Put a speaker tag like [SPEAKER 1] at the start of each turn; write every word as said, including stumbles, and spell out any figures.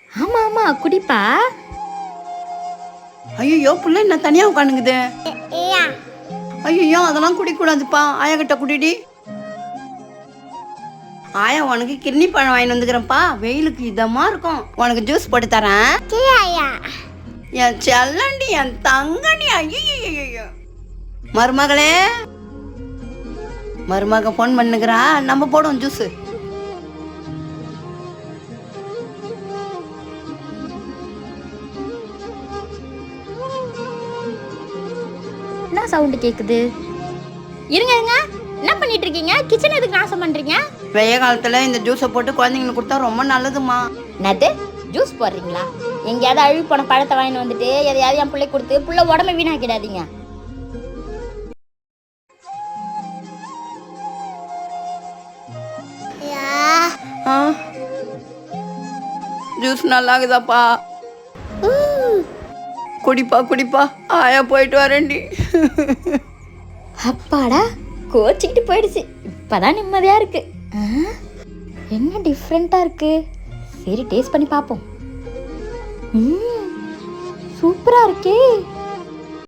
[SPEAKER 1] ஆமா ஆமா குடிப்பா.
[SPEAKER 2] ஐயோ புள்ள என்ன தனியா உட்காந்துக்குது. ஐயோ அதெல்லாம் குடிக்கூடாதுப்பா. ஆயா கிட்ட குடிடி. ஆயா உனக்கு கிர்னி பழம் வாங்கி வந்துக்கிறேன்ப்பா. வெயிலுக்கு இதமா இருக்கும். உனக்கு ஜூஸ் போட்டு தரேன். என் செல்லண்டி என் தங்கண்டி. ஐயோ மருமகளே, மருமக போன் பண்ணுகிறா. நம்ம போடுவோம் ஜூஸ்.
[SPEAKER 1] என்ன சவுண்டு கேக்குது? இருங்க இருங்க, என்ன பண்ணிட்டு இருக்கீங்க? கிச்சன் எதுக்கு நாசம் பண்றீங்க?
[SPEAKER 2] வெய்ய காலத்துல இந்த ஜூஸை போட்டு குழந்தைங்களுக்கு கொடுத்தா ரொம்ப நல்லதுமா.
[SPEAKER 1] என்னது ஜூஸ் போடுறீங்களா? எங்கேயாவது அழுவி போன பழத்தை வாங்கிட்டு வந்துட்டு எதையாவது என் பிள்ளை கொடுத்து புள்ள உடம்பை வீணாக்கிடாதீங்க.
[SPEAKER 2] ஜூஸ் நல்லா இருக்குதாப்பா? குடிப்பா குடிப்பா. ஆயா போயிட்டு வரேன்டி.
[SPEAKER 1] அப்பாடா, கோச்சிக்கிட்டு போயிடுச்சு. இப்பதான் நிம்மதியா இருக்கு. என்ன டிஃப்ரெண்டா இருக்கு? சரி டேஸ்ட் பண்ணி பார்ப்போம். ம் சூப்பரா இருக்கே.